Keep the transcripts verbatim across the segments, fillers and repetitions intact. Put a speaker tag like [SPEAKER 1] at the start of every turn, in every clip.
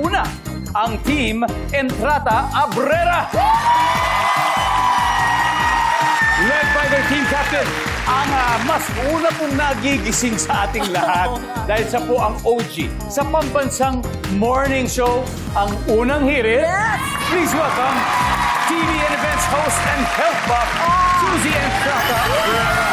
[SPEAKER 1] Una, ang Team Entrata Abrera. Led by their team captain, ang uh, mas una pong nagigising sa ating lahat dahil siya po ang O G sa pambansang morning show, ang Unang Hirit.
[SPEAKER 2] Yes!
[SPEAKER 1] Please welcome T V and events host and health buff, Suzy Entrata Abrera.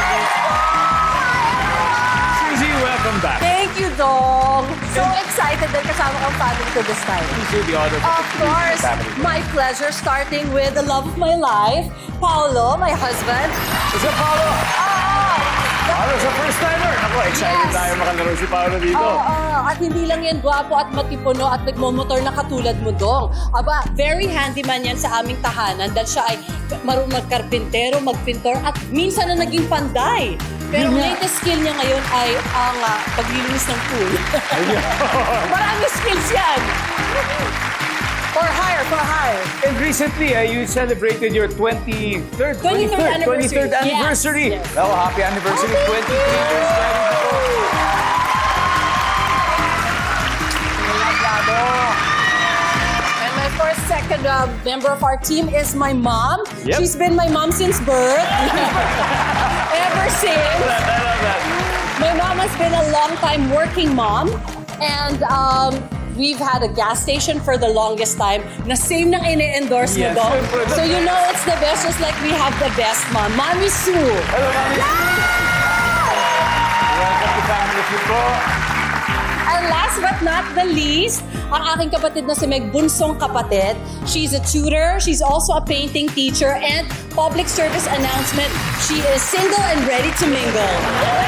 [SPEAKER 1] Suzy, welcome back.
[SPEAKER 2] Thank you, Dong. So excited that kasama kang family ko this time.
[SPEAKER 1] Please do the honor.
[SPEAKER 2] Of course, my pleasure, starting with the love of my life, Paolo, my husband.
[SPEAKER 1] Isa Paolo.
[SPEAKER 2] Ah!
[SPEAKER 1] Paolo sa first timer. Ako, excited
[SPEAKER 2] Yes.
[SPEAKER 1] tayo makalaro si Paolo dito.
[SPEAKER 2] Oo, ah, at hindi lang yan gwapo at matipuno at nagmomotor na katulad mo, Dong. Aba, very handyman yan sa aming tahanan dahil siya ay marunong magkarpintero, magpintor at minsan na naging panday. Pero ang latest skill niya ngayon ay ang ah, paglilinis ng pool. Maraming skills yan. For hire, for hire.
[SPEAKER 1] And recently, uh, you celebrated your twenty-third,
[SPEAKER 2] twenty-third anniversary.
[SPEAKER 1] twenty-third anniversary.
[SPEAKER 2] Yes, yes.
[SPEAKER 1] Oh, happy anniversary.
[SPEAKER 2] Oh, thank
[SPEAKER 1] twenty-three
[SPEAKER 2] you.
[SPEAKER 1] years wedding po.
[SPEAKER 2] And my first, second uh, member of our team is my mom.
[SPEAKER 1] Yep.
[SPEAKER 2] She's been my mom since birth. Ever since.
[SPEAKER 1] I love that.
[SPEAKER 2] My mom has been a long time working mom. And um, we've had a gas station for the longest time na same nang ine-endorse
[SPEAKER 1] Yes,
[SPEAKER 2] mo, Dong.
[SPEAKER 1] for the
[SPEAKER 2] So you
[SPEAKER 1] best.
[SPEAKER 2] know it's the best, just like we have the best mom. Mami Sue.
[SPEAKER 1] Hello, Mami. Welcome to Family Feud po.
[SPEAKER 2] And last but not the least, ang aking kapatid na si Meg, bunsong kapatid. She's a tutor, she's also a painting teacher, and public service announcement, she is single and ready to mingle.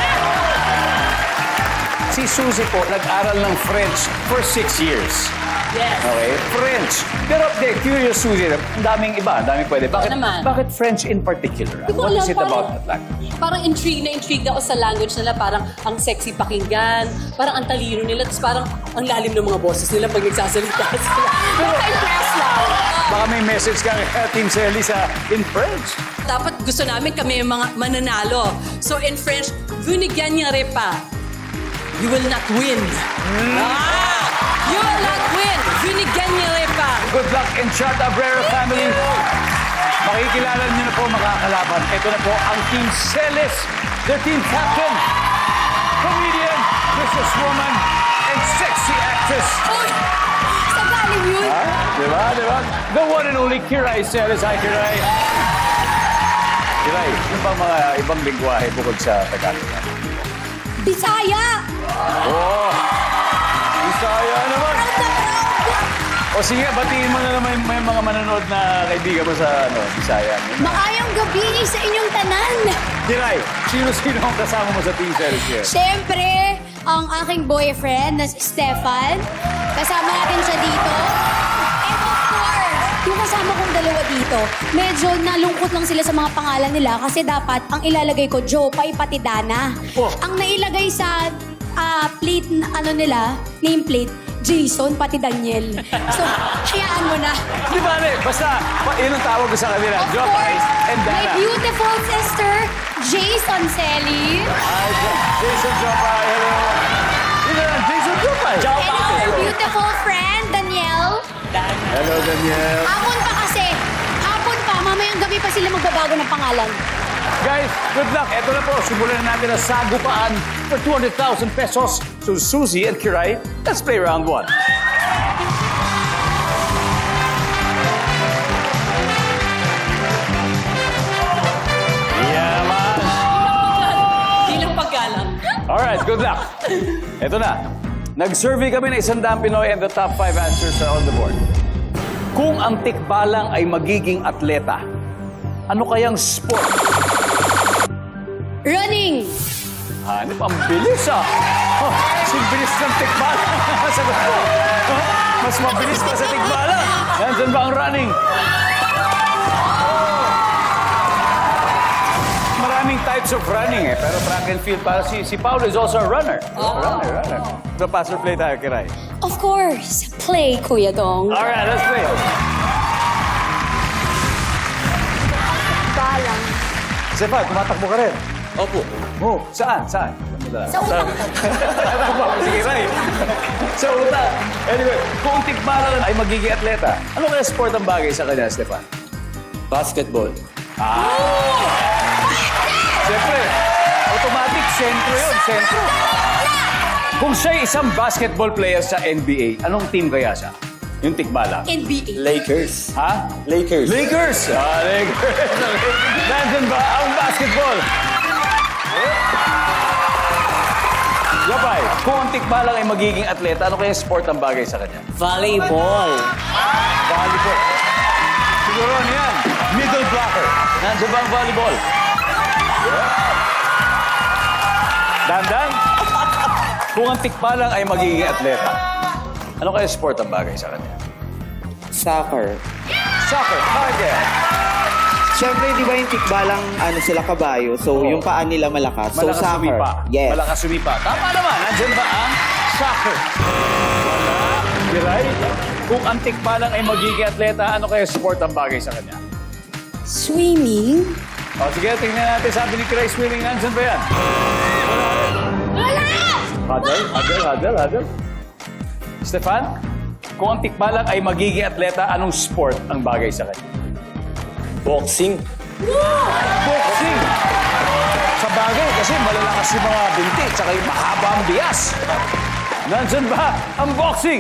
[SPEAKER 1] Si Suzy po, nag-aral ng French for six years.
[SPEAKER 2] Yes.
[SPEAKER 1] Okay? French. Pero, de, curious, Suzy, ang daming iba, ang daming pwede. Bakit,
[SPEAKER 2] naman.
[SPEAKER 1] bakit French in particular?
[SPEAKER 2] Di ko
[SPEAKER 1] What
[SPEAKER 2] alam,
[SPEAKER 1] is it
[SPEAKER 2] parang-
[SPEAKER 1] about that language?
[SPEAKER 2] Parang intrigued na intrigued ako sa language nila. Parang ang sexy pakinggan, parang ang talino nila, tapos parang ang lalim ng mga boses nila pag nagsasalita sila. Nakaka-impress lang.
[SPEAKER 1] Baka may message ka kay Team Selly sa in French.
[SPEAKER 2] Dapat gusto namin kami yung mga mananalo. So in French, vous ne gagnerez pas. You will not win. Ah! You will not win. Vous ne gagnerez pas.
[SPEAKER 1] Good luck in Chart Abrera family. Makikilala niyo na po makakalaban. Ito na po ang Team Celis, their team captain, comedian, businesswoman, and sexy actress.
[SPEAKER 2] Uy! Sa galing yun.
[SPEAKER 1] Ha? Diba? Diba? The one and only Kiray Celis. Hi, Kiray. Kiray, yung bang mga ibang lingwahe bukod sa Tagalog?
[SPEAKER 2] Bisaya!
[SPEAKER 1] Oh! Bisaya naman! O sige, batiin mo na naman may mga manonood na kaibigan mo sa ano, Bisaya.
[SPEAKER 3] Maayong gabi sa inyong tanan.
[SPEAKER 1] Kiray, sino-sino ang kasama mo sa Team Celis here?
[SPEAKER 3] Siyempre, ang aking boyfriend na si Stefan. Kasama natin siya dito. And of course, yung kasama kong dalawa dito, medyo nalungkot lang sila sa mga pangalan nila kasi dapat ang ilalagay ko, Jopay pati Dana.
[SPEAKER 1] Oh.
[SPEAKER 3] Ang nailagay sa ah, plate, na ano nila, nameplate, Jason pati Daniel. So, hayaan mo na.
[SPEAKER 1] Di ba, ne? Basta, pa, yun ang tawag ko sa kanila.
[SPEAKER 3] Of
[SPEAKER 1] Jopay
[SPEAKER 3] course,
[SPEAKER 1] and
[SPEAKER 3] my
[SPEAKER 1] Dana.
[SPEAKER 3] beautiful sister, Jason Selly.
[SPEAKER 1] Hi, Jo- Jason Jopay. Hello. Sino yan? Jason Jopay.
[SPEAKER 3] And our beautiful friend, Danielle.
[SPEAKER 1] Hello, Daniel.
[SPEAKER 3] Hapon pa kasi. Hapon pa. Mamayang gabi pa sila magbabago ng pangalan.
[SPEAKER 1] Guys, good luck. Ito na po, simulan na natin ang sagupaan for two hundred thousand pesos. So, Suzy and Kiray, let's play round one. Yeah, man.
[SPEAKER 2] Di lang paggalang.
[SPEAKER 1] Alright, good luck. Ito na. Nag-survey kami ng isang daang Pinoy and the top five answers are on the board. Kung ang tikbalang ay magiging atleta, ano kayang sport?
[SPEAKER 3] Running.
[SPEAKER 1] Hanip, ang bilis ah. Oh, si bilis ng tikbala. Sagot ko. Oh, mas mabilis pa sa tikbala. Nandyan ba ang running? Maraming types of running eh. Pero track and field para si, si Paolo is also a runner. Runner, runner. So pass or play tayo, Kiray.
[SPEAKER 3] Of course. Play, Kuya Dong.
[SPEAKER 1] Alright, let's play.
[SPEAKER 3] Balang.
[SPEAKER 1] Sepa, tumatakbo ka rin.
[SPEAKER 4] Opo.
[SPEAKER 1] Oh, saan? Saan?
[SPEAKER 3] Sa utang.
[SPEAKER 1] Sige, Ray. Sa utang. Anyway, kung tikbalan ay magiging atleta, ano kaya sport ang bagay sa kanya, Stefan?
[SPEAKER 4] Basketball.
[SPEAKER 1] Siyempre, automatic, sentro yun, sentro. Kung siya'y isang basketball player sa N B A, anong team kaya siya? Yung tikbala.
[SPEAKER 2] N B A.
[SPEAKER 4] Lakers.
[SPEAKER 1] Ha?
[SPEAKER 4] Lakers.
[SPEAKER 1] Lakers! Ah, Lakers. Nandun ba ang basketball? Yapay, kung ang tikbalang ay magiging atleta, ano kaya sport ang bagay sa kanya?
[SPEAKER 4] Volleyball.
[SPEAKER 1] Volleyball. Siguro ano yan? Middle blocker. Nandiyan ba ang volleyball? Dandan, kung ang tikbalang ay magiging atleta, ano kaya sport ang bagay sa kanya?
[SPEAKER 4] Soccer.
[SPEAKER 1] Soccer. Target.
[SPEAKER 4] Siyempre, di ba yung tikbalang ano sila kabayo? So,
[SPEAKER 1] Oo.
[SPEAKER 4] yung paa nila malakas. So,
[SPEAKER 1] Malakas
[SPEAKER 4] soccer.
[SPEAKER 1] sumipa.
[SPEAKER 4] Yes.
[SPEAKER 1] Malakas sumipa. Tama naman. Nandiyan ba ang soccer? Wala. Kiray, kung ang tikbalang ay magiging atleta, ano kaya sport ang bagay sa kanya?
[SPEAKER 3] Swimming?
[SPEAKER 1] O sige, tingnan natin. Sabi ni Kiray, swimming. Nandiyan ba yan?
[SPEAKER 3] Wala!
[SPEAKER 1] Huddle, huddle, huddle, huddle. Stefan, kung ang tikbalang ay magiging atleta, anong sport ang bagay sa kanya?
[SPEAKER 4] Boxing.
[SPEAKER 1] Boxing! Sa bagay, kasi malalakas yung mga binti, tsaka yung mahaba ang bias. Nandyan ba ang boxing?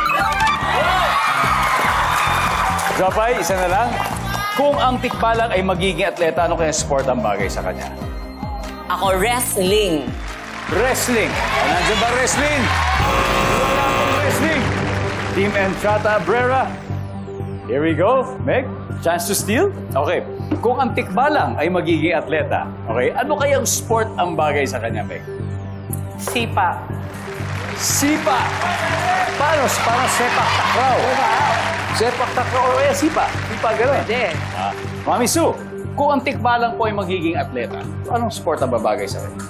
[SPEAKER 1] Japay, isa na lang. Kung ang tikbalang ay magiging atleta, ano kaya sport ang bagay sa kanya?
[SPEAKER 5] Ako, wrestling.
[SPEAKER 1] Wrestling. Nandyan ba wrestling? Wala akong wrestling. Team Entrata Abrera. Here we go. Meg, chance to steal? Okay. Kung ang tikbalang ay magiging atleta, okay, ano kayang sport ang bagay sa kanya, Meg?
[SPEAKER 5] Sipa.
[SPEAKER 1] Sipa. Paano? Parang sepak takraw. Sepak takraw o kaya sipa. Sipa, gano'n.
[SPEAKER 5] Pwede.
[SPEAKER 1] Ah. Mami Sue, kung ang tikbalang po ay magiging atleta, anong sport ang babagay sa kanya?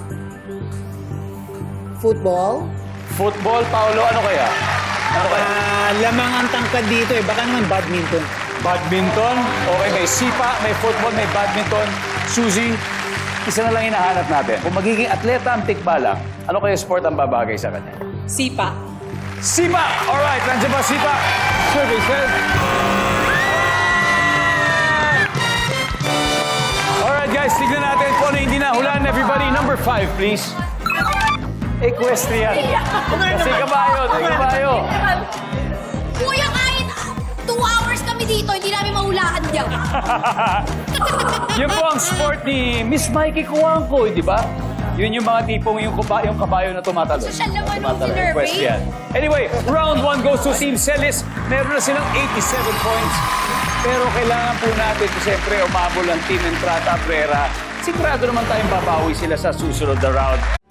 [SPEAKER 2] Football?
[SPEAKER 1] Football, Paolo, ano kaya? Ano kaya?
[SPEAKER 6] Ah, lamang ang tangkad dito eh. Baka naman badminton.
[SPEAKER 1] Badminton? Okay, may sipa, may football, may badminton. Suzy, isa na lang hinahanap natin. Kung magiging atleta ang tikbalang, ano kaya sport ang babagay sa kanya?
[SPEAKER 2] Sipa.
[SPEAKER 1] Sipa! Alright, nandiyan ba sipa? Survey says... Alright guys, tignan natin kung ano hindi nahulaan. Everybody, number five, please. Equestrian. Kasi kabayo, kasi kabayo.
[SPEAKER 3] Kuya, kahit two hours kami dito, hindi namin mahulaan dyan.
[SPEAKER 1] Yun po ang sport ni Miss Mikey Cuangco, di ba? Yun yung mga tipong yung, kuba, yung kabayo na tumatalo.
[SPEAKER 3] Siya naman ang
[SPEAKER 1] Tumatalo,
[SPEAKER 3] sinervey.
[SPEAKER 1] equestrian. Anyway, round one goes to Team Celis. Meron na silang eighty-seven points. Pero kailangan po natin, siyempre, umabol ang Team Entrata Abrera. Sigurado naman tayong babawi sila sa susunod na round.